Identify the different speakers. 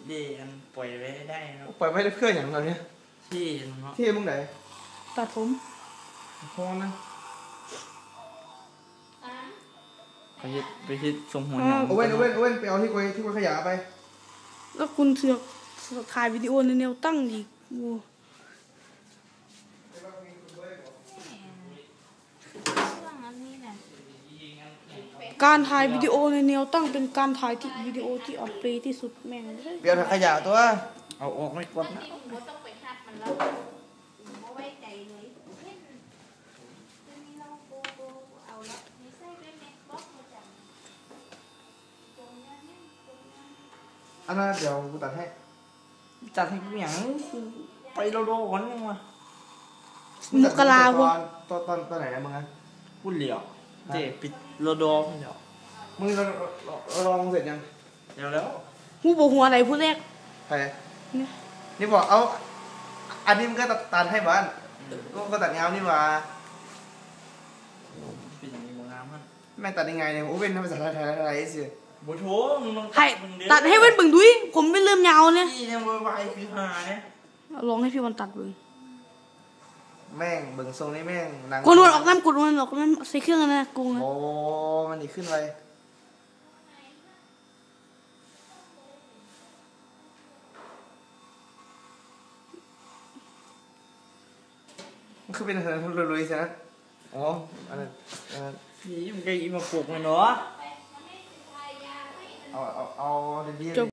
Speaker 1: เดี๋ยวปล่อยไว้ได้เนาะ
Speaker 2: ปล่อยไว้เพื่ออย่างเราเนี่ย
Speaker 1: ที่เนาะ
Speaker 2: ที่มึงไหน
Speaker 3: ตัดผม
Speaker 2: พอนะ
Speaker 1: ไปคิดสมหัว
Speaker 2: โอเว่นไปเอาที่กวยขยะไป
Speaker 3: แล้วคุณเสือกถ่ายวิดีโอในแนวตั้งอีกการถ่ายวิดีโอในแนวตั้งเป็นการถ่ายที่วิดีโอที่อัปเดตที่สุดแม่ง
Speaker 2: เดี๋ยวขยะตัว
Speaker 1: เอาออกไม่กดนะ
Speaker 2: อันนั้นเดี๋ยวกูตัดให้
Speaker 1: กูอย่างไปโลโลก่อนยังวะ
Speaker 3: มกรา
Speaker 2: ตอนไหนนะมึงอ่ะ
Speaker 1: พูดเหลียวเจ๊ปิดโลโดเดี๋ยว
Speaker 2: มึงลองเสร็จยัง
Speaker 1: แล้ว
Speaker 3: หูบอกหัวอะไรพูดแรก
Speaker 2: ใครนี่บอกเอาอันนี้มึงก็ตัดให้บ้านก็ตัดเงานี่ว่า
Speaker 1: เป็นอย่างนี้มึงงามมั้ง
Speaker 2: แม่ตัดยังไงเนี่ยโอ้เป็นภาษาไทยสิ
Speaker 1: บุโถมึง
Speaker 3: ตัดให้เว้นบึงดุยผมไม่เริ่มยาวเนี่ย
Speaker 1: พี่เนี่ยไวคือหาเนี่ย
Speaker 3: ลองให้พี่วันตัดบึง
Speaker 2: แม่งเบิ่งทรงนี้แม่งหนัง
Speaker 3: กดมันออกน้ำใส่เครื่องนะกู
Speaker 2: โอ้มันดีขึ้นไปมันคือเป็นอะไรลุยๆใช่ไหมอ๋ออันนั้น
Speaker 1: นี่มันก็อีมาปลูกมันเนาะ
Speaker 2: เอาดีๆ